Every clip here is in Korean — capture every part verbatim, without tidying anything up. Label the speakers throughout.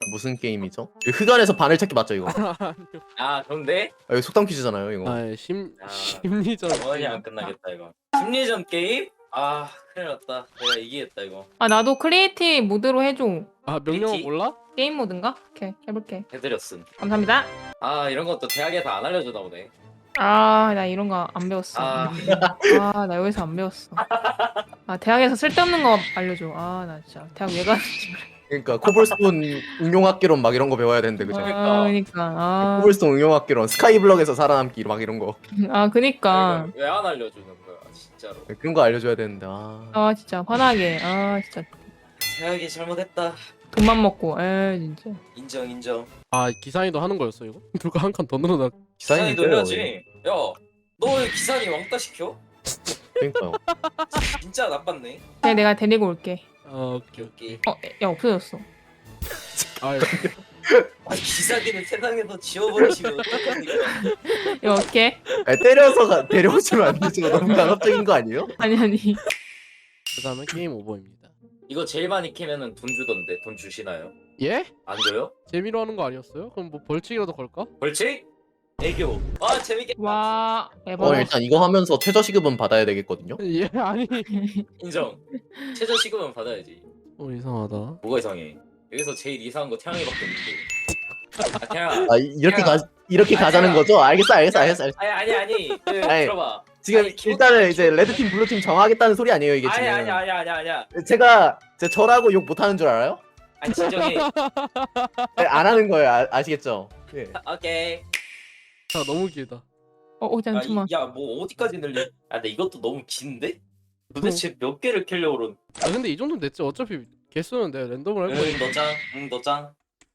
Speaker 1: 무슨 게임이죠? 이거 흑안에서 바늘 찾기 맞죠 이거?
Speaker 2: 아 그런데?
Speaker 1: 아, 이거 속담 퀴즈잖아요 이거.
Speaker 3: 아, 심
Speaker 2: 아,
Speaker 3: 심리전.
Speaker 2: 원이 안 끝나겠다 이거. 심리전 게임? 아 큰일 났다. 내가 이기겠다 이거.
Speaker 4: 아 나도 크리에이티브 모드로 해줘.
Speaker 3: 아, 명령어
Speaker 2: 있지?
Speaker 3: 몰라?
Speaker 4: 게임 모드인가? 오케이 해볼게.
Speaker 2: 해드렸음.
Speaker 4: 감사합니다.
Speaker 2: 아 이런 것도 대학에서 안 알려주나 보네.
Speaker 4: 아 나 이런 거 안 배웠어.
Speaker 2: 아.
Speaker 4: 아 나 여기서 안 배웠어. 아 대학에서 쓸데없는 거 알려줘. 아 나 진짜 대학 왜 가는지 모르겠어.
Speaker 1: 그러니까 코블스톤 응용학개론 막 이런 거 배워야 되는데 그죠?
Speaker 4: 아 그니까 아,
Speaker 1: 코블스톤 응용학개론, 스카이블럭에서 살아남기 막 이런 거
Speaker 4: 아 그니까
Speaker 2: 왜 안 알려주는 거야 진짜로.
Speaker 1: 그런 거 알려줘야 되는데 아.
Speaker 4: 아 진짜 화나게. 아 진짜
Speaker 2: 대학이 잘못했다.
Speaker 4: 돈만 먹고 에 진짜.
Speaker 2: 인정 인정.
Speaker 3: 아, 기사이도 하는 거였어 이거? 누가 한 칸 더 늘어나?
Speaker 1: 기사님
Speaker 2: 기사님도 해야지. 야 너 왜 기사님 왕따 시켜?
Speaker 1: 그러니까요.
Speaker 2: 진짜 나빴네.
Speaker 4: 그냥 내가 데리고 올게.
Speaker 3: 아, 오케이.
Speaker 2: 오케이.
Speaker 4: 어 야 없어졌어.
Speaker 3: 아,
Speaker 2: 아 기사님을 세상에서 지워버리시면 어떡합니까?
Speaker 4: 이거 어떻게?
Speaker 1: 아니, 때려서 가, 데려오시면 안 되죠. 너무 강압적인 거 아니에요?
Speaker 4: 아니 아니.
Speaker 3: 그다음에 게임 오버입니다.
Speaker 2: 이거 제일 많이 캐면은 돈 주던데 돈 주시나요?
Speaker 3: 예?
Speaker 2: 안 줘요?
Speaker 3: 재미로 하는 거 아니었어요? 그럼 뭐 벌칙이라도 걸까?
Speaker 2: 벌칙? 애교. 아 재밌겠다.
Speaker 4: 와
Speaker 1: 어
Speaker 4: 에버.
Speaker 1: 일단 이거 하면서 최저시급은 받아야 되겠거든요.
Speaker 3: 예, 아니.
Speaker 2: 인정. 최저 시급은 받아야지.
Speaker 3: 어, 이상하다.
Speaker 2: 뭐가 이상해? 여기서 제일 이상한 거 태양이밖에 없는데. 아 태양아.
Speaker 1: 아 이- 이렇게 가 이렇게
Speaker 2: 아,
Speaker 1: 가자는
Speaker 2: 제가-
Speaker 1: 거죠? 알겠어 알겠어 알겠어. 알겠어.
Speaker 2: 아니 아니 아니. 그,
Speaker 1: 아니,
Speaker 2: 들어봐.
Speaker 1: 지금
Speaker 2: 아니, 기본-
Speaker 1: 일단은 이제 레드팀 블루팀 정하겠다는 소리 아니에요 이게
Speaker 2: 아니
Speaker 1: 지금.
Speaker 2: 아니 아니 아니 아니야.
Speaker 1: 제가 제 저라고 욕 못하는 줄 알아요?
Speaker 2: 아니 진정해.
Speaker 1: 네, 안 하는 거예요 아, 아시겠죠? 예.
Speaker 2: 오케이.
Speaker 3: 자, 너무 길다.
Speaker 4: 어, 어
Speaker 2: 아,
Speaker 4: 잠깐만.
Speaker 2: 이- 야, 뭐 어디까지 늘리? 아, 근데 이것도 너무 긴데? 도대체 몇 개를 캐려고 그런?
Speaker 3: 아, 근데 이 정도면 됐지. 어차피 개수는 내가 랜덤으로 할 거야.
Speaker 2: 응, 너 짱. 응, 너 짱.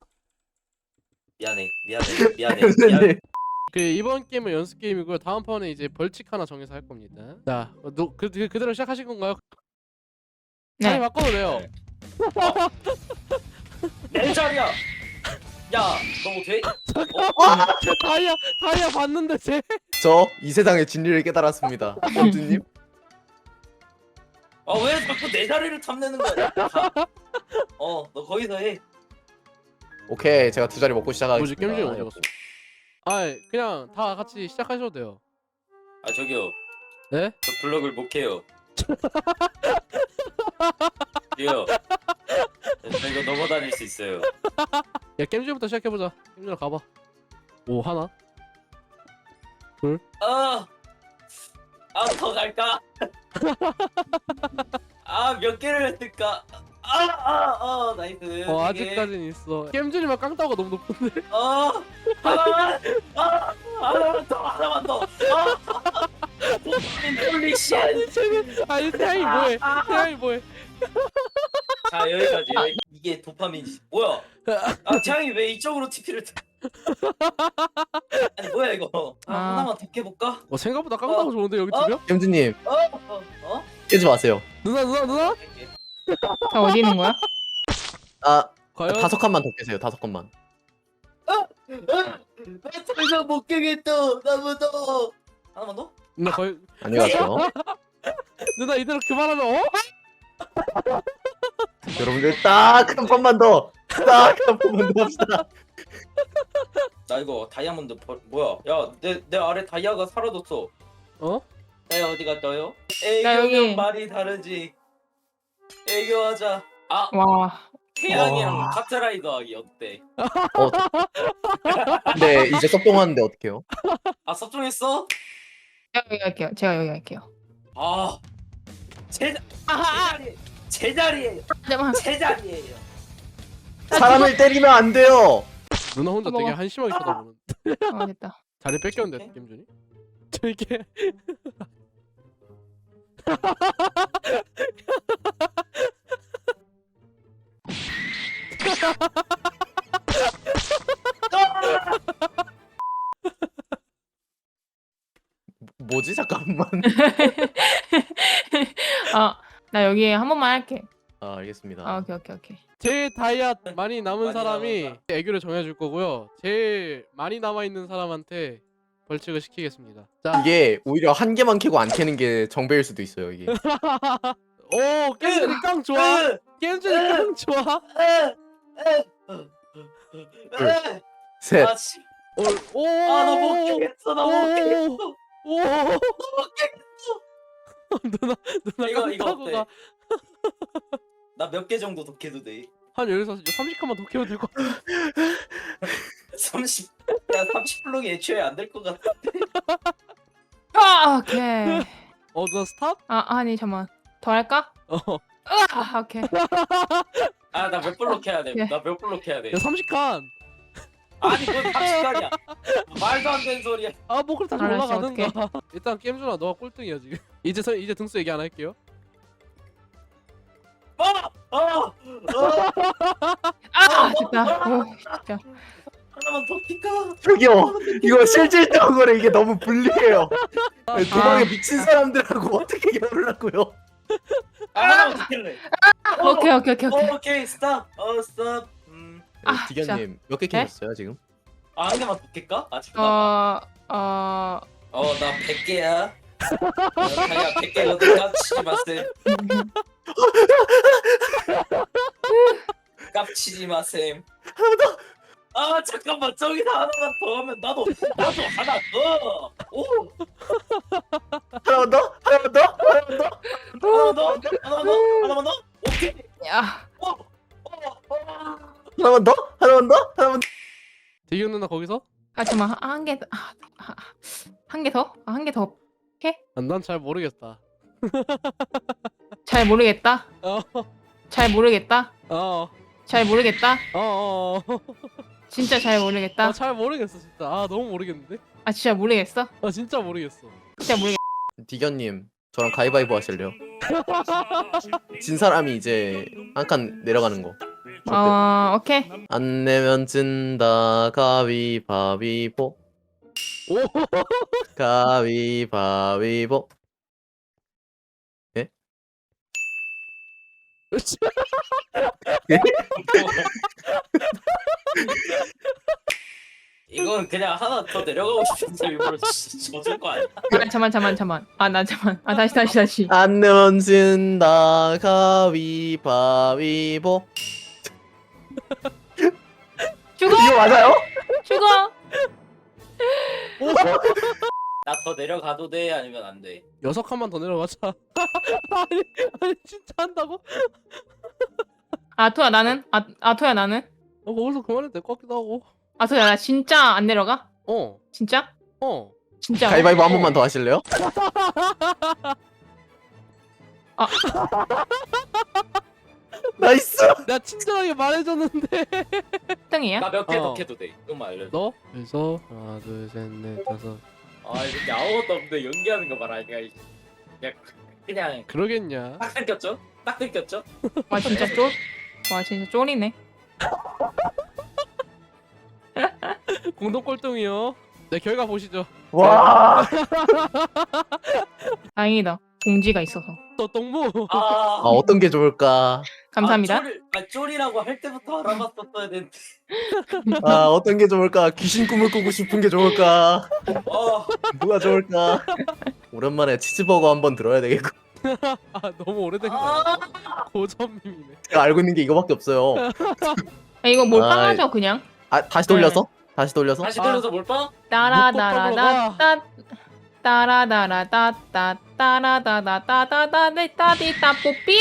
Speaker 2: 미안해, 미안해, 미안해, 미안해.
Speaker 1: 네.
Speaker 3: 그 이번 게임은 연습 게임이고요. 다음 판에 이제 벌칙 하나 정해서 할 겁니다. 자, 어, 너, 그, 그 그대로 시작하신 건가요?
Speaker 4: 네.
Speaker 3: 아니, 바꿔도 돼요.
Speaker 2: 네. 내 자리야. 야, 너 뭐 돼?
Speaker 3: 다이아, 다이아 봤는데 쟤.
Speaker 1: 저 이 세상의 진리를 깨달았습니다. 범주님.
Speaker 2: 아, 왜 자꾸 내 자리를 탐내는 거야? 가. 어, 너 거기서 해.
Speaker 1: 오케이 제가 두 자리 먹고
Speaker 3: 뭐지,
Speaker 1: 시작하겠습니다.
Speaker 3: 게임중에 언제 갔어? 아, 그냥 다 같이 시작하셔도 돼요.
Speaker 2: 아, 저기요.
Speaker 3: 네?
Speaker 2: 저 블럭을 못 캐요. 이요. 저 이거 넘어다닐 수 있어요.
Speaker 3: 야, 게임즈부터 시작해보자. 게임즈 가봐. 오, 하나.
Speaker 2: 아, 아, 더 갈까? 아, 몇 개를 했을까? 아, 아, 아, 나이스.
Speaker 3: 어,
Speaker 2: 세 개.
Speaker 3: 아직까진 있어. 게임즈님만 깡따가 너무 높은데.
Speaker 2: 어, 하나만, 아, 하나만 더, 하나만 더. 아, 홀리 쉣.
Speaker 3: 아니, 쟤는, 아니, 태양이 뭐해? 태양이 뭐해?
Speaker 2: 자, 여기까지. 여기. 이게 도파민이지. 뭐야? 아, 태양이 왜 이쪽으로 티피를? 아니, 뭐야 이거? 아,
Speaker 4: 아.
Speaker 2: 하나만 더 깨볼까?
Speaker 3: 어, 생각보다 깡따가
Speaker 2: 어.
Speaker 3: 좋은데, 여기
Speaker 2: 어?
Speaker 3: 두 명?
Speaker 1: 범주님
Speaker 2: 어, 어, 어?
Speaker 1: 깨지 마세요.
Speaker 3: 누나, 누나, 누나?
Speaker 4: 다 어디 있는 거야?
Speaker 1: 아
Speaker 3: 과연?
Speaker 1: 다섯 칸만 더 깨세요. 다섯 칸만.
Speaker 2: 나더 이상 못 깨겠다. 나 무서워. 하나만 더?
Speaker 3: 누나 거의
Speaker 1: 안녕히 가세요.
Speaker 3: 누나 이대로 그만하면 어?
Speaker 1: 여러분들 딱 한 번만 더. 딱 한 번만 더 합시다.
Speaker 2: 나 이거 다이아몬드 버... 뭐야? 야, 내 내 아래 다이아가 사라졌어.
Speaker 3: 어?
Speaker 2: 다이아 어디 갔어요?
Speaker 4: 나 여기.
Speaker 2: 애교면 말이 다르지. 애교하자. 아,
Speaker 4: 와.
Speaker 2: 태양이랑
Speaker 1: 와.
Speaker 2: 카트라이더 하기 어때?
Speaker 1: 어. 근데 이제 섭동하는데 어떡해요?
Speaker 2: 아, 섭종했어?
Speaker 4: 제가 여기 할게요. 제가 여기 할게요.
Speaker 2: 아, 제, 제
Speaker 4: 아하.
Speaker 2: 자리, 제 자리에요.
Speaker 4: 잠깐만.
Speaker 2: 제 자리에요.
Speaker 1: 사람을 때리면 안 돼요.
Speaker 3: 누나 혼자
Speaker 4: 어머.
Speaker 3: 되게 한심하게 쳐다보는.
Speaker 4: 어 됐다.
Speaker 3: 자리 뺏겼는데 게임준이? 저게
Speaker 1: 뭐지 잠깐만.
Speaker 4: 아 나 여기 한 번만 할게.
Speaker 1: 아 알겠습니다.
Speaker 4: 아 오케이 오케이 오케이.
Speaker 3: 제일 다이아 많이 남은
Speaker 2: 많이
Speaker 3: 사람이
Speaker 2: 남았다.
Speaker 3: 애교를 정해줄 거고요. 제일 많이 남아 있는 사람한테 벌칙을 시키겠습니다. 자,
Speaker 1: 이게 오히려 한 개만 캐고 안 캐는 게 정배일 수도 있어요 이게.
Speaker 3: 오 게임준이 깡 좋아.
Speaker 2: 으,
Speaker 3: 게임준이 깡 좋아.
Speaker 2: 으, 으, 으. 에!
Speaker 1: 셋.
Speaker 2: 아, 씨.
Speaker 3: 오.
Speaker 2: 아, 나 못 깨겠어. 나 못 깨겠어.
Speaker 3: 오.
Speaker 2: 못 깨겠어.
Speaker 3: 누나 누나
Speaker 2: 이거,
Speaker 3: 깡
Speaker 2: 이거
Speaker 3: 타고
Speaker 2: 어때?
Speaker 3: 가.
Speaker 2: 나 몇 개 정도 독해도 돼?
Speaker 3: 한 여기서 삼십 칸만 더 키워도 될것 같아.
Speaker 2: 삼십. 야, 삼십 블록이 애초에 안 될 것 같아.
Speaker 4: 아 오케이.
Speaker 3: 어 누나 스탑?
Speaker 4: 아 아니 잠만 더 할까?
Speaker 3: 어.
Speaker 4: 아 오케이.
Speaker 2: 아, 나 몇 블록 해야 돼?
Speaker 4: 예.
Speaker 2: 나 몇 블록 해야 돼?
Speaker 3: 야 삼십 칸.
Speaker 2: 아니, 그건 삼십 칸이야. 말도 안 되는 소리야.
Speaker 3: 아 뭐 그럼 다시
Speaker 4: 알았어,
Speaker 3: 올라가는가. 일단 게임준아 너가 꼴등이야 지금. 이제 서, 이제 등수 얘기 안 할게요.
Speaker 2: 아! 아! 아!
Speaker 4: 아 됐다. 오 진짜.
Speaker 2: 하나만 더 킬까?
Speaker 1: 저기요. 이거 실질적으로 이게 너무 불리해요. 도망에
Speaker 4: 아.
Speaker 1: 미친 사람들하고 어떻게 겨루려고요?
Speaker 2: 아, 하나만 더 킬래.
Speaker 4: 오케이 오케이 오케이 오케이.
Speaker 2: 어, 오케이, 스탑. 어, 스탑. 음.
Speaker 4: 아,
Speaker 1: 디견님 몇 개 캐셨어요 지금?
Speaker 2: 아, 한 개만 더 킬까? 아, 잠깐만.
Speaker 4: 어어
Speaker 2: 어, 나 백 개야. 어, 자기가 백 개거든. 깝치지 마셈. 깝치지 마셈. 아, 잠깐만. 저기서 하나만 더 하면 나도 나도 하나 더. 오,
Speaker 1: 하나만 더? 하나만 더? 하나만 더?
Speaker 2: 하나만 더. 하나만 더. 하나만 더. 오케이.
Speaker 4: 야.
Speaker 2: 오, 오, 오.
Speaker 1: 하나만 더? 하나만 더? 하나만 더?
Speaker 3: 대경 누나 거기서?
Speaker 4: 아 잠만 한 개 아, 아, 한 개 더? 아, 한 개 더.
Speaker 3: 난 잘 모르겠다.
Speaker 4: 잘 모르겠다.
Speaker 3: 어.
Speaker 4: 잘 모르겠다.
Speaker 3: 어.
Speaker 4: 잘 모르겠다.
Speaker 3: 어. 어.
Speaker 4: 진짜 잘 모르겠다.
Speaker 3: 어, 잘 모르겠어 진짜. 아 너무 모르겠는데?
Speaker 4: 아 진짜 모르겠어.
Speaker 3: 아 진짜 모르겠어.
Speaker 4: 진짜 모르겠.
Speaker 1: 디견님 저랑 가위바위보 하실래요? 진 사람이 이제 한 칸 내려가는 거. 어때?
Speaker 4: 어 오케이.
Speaker 1: 안 내면 진다 가위바위보.
Speaker 3: 오.
Speaker 1: 가위바위보.
Speaker 2: 이건 그냥 하나 더 내려가고 싶어서 일부러 젖을 거 아니야?
Speaker 4: 아 잠만 잠만 잠만. 아 나 잠만. 아 다시 다시 다시.
Speaker 1: 안 내면 진다 가위바위보.
Speaker 4: 죽어
Speaker 1: 이거 맞아요?
Speaker 4: 죽어.
Speaker 2: 나 더 내려가도 돼? 아니면 안 돼?
Speaker 3: 여섯 칸만 더 내려가자. 아니 아니 진짜 한다고?
Speaker 4: 아토야 나는? 아 아토야 나는?
Speaker 3: 어 거기서 그만해도 될 것 같기도 하고.
Speaker 4: 아토야 나 진짜 안 내려가?
Speaker 3: 어.
Speaker 4: 진짜?
Speaker 3: 어.
Speaker 4: 진짜?
Speaker 1: 가위바위보 한 번만 더 하실래요?
Speaker 4: 아.
Speaker 1: 나이스.
Speaker 3: 내가 친절하게 말해줬는데.
Speaker 4: 등이야?
Speaker 2: 나 몇 개 더
Speaker 3: 어.
Speaker 2: 캐도 돼? 좀만 알려줘.
Speaker 3: 너? 그래서 하나 둘셋넷 다섯.
Speaker 2: 아, 이렇게 아무것도 없는데 연기하는 거 봐라. 그냥 그냥, 그냥
Speaker 3: 그러겠냐?
Speaker 2: 딱 들켰죠? 딱 들켰죠?
Speaker 4: 와 진짜 쫄. 와 진짜 쫄이네.
Speaker 3: 공동 꼴등이요. 네 결과 보시죠.
Speaker 1: 와.
Speaker 4: 다행이다. 공지가 있어서.
Speaker 3: 또 똥무.
Speaker 2: 아,
Speaker 1: 아 어떤 게 좋을까?
Speaker 4: 감사합니다.
Speaker 2: 아, 쫄, 아, 쫄이라고 할 때부터 알아봤었어야 되는데.
Speaker 1: 아 어떤 게 좋을까? 귀신 꿈을 꾸고 싶은 게 좋을까?
Speaker 2: 어,
Speaker 1: 뭐가 좋을까? 오랜만에 치즈버거 한번 들어야 되겠고.
Speaker 3: 아 너무 오래된 거
Speaker 2: 아,
Speaker 3: 아니야? 고전밈이네.
Speaker 1: 제가 알고 있는 게 이거밖에 없어요.
Speaker 4: 야, 이거 몰빵
Speaker 1: 아이.
Speaker 4: 하죠 그냥.
Speaker 1: 아 다시 돌려서? 다시 돌려서?
Speaker 2: 다시 돌려서 몰빵?
Speaker 4: 따라다라다따 따라다라다따 따라다다다다다다다다다 뽀삐.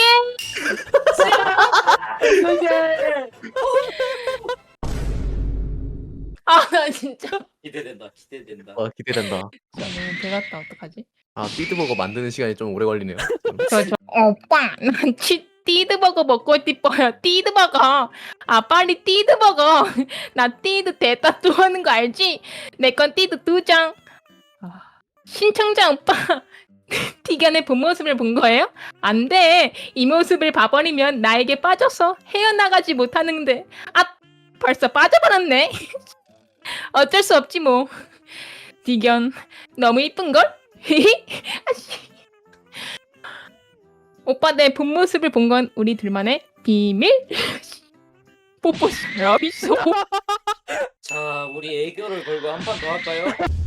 Speaker 4: 아나 진짜.
Speaker 2: 기대된다, 기대된다.
Speaker 1: 어 기대된다.
Speaker 4: 진짜 너무 배갔다 어떡하지?
Speaker 1: 아 삐드버거 만드는 시간이 좀 오래 걸리네요.
Speaker 4: 저, 저, 오빠, 난 치, 띠드버거 먹고 싶어요. 띠드버거. 아, 빨리 띠드버거. 나 띠드 대따 또 하는 거 알지? 내 건 띠드 두 장. 아, 신청자 오빠. 디견의 본 모습을 본 거예요? 안 돼. 이 모습을 봐버리면 나에게 빠져서 헤어나가지 못하는데. 아, 벌써 빠져버렸네. 어쩔 수 없지 뭐. 디견, 너무 이쁜걸? 아씨. 오빠 내 본 모습을 본 건 우리 둘만의 비밀? 뽀뽀 러비쇼.
Speaker 2: 자, 우리 애교를 걸고 한 판 더 할까요?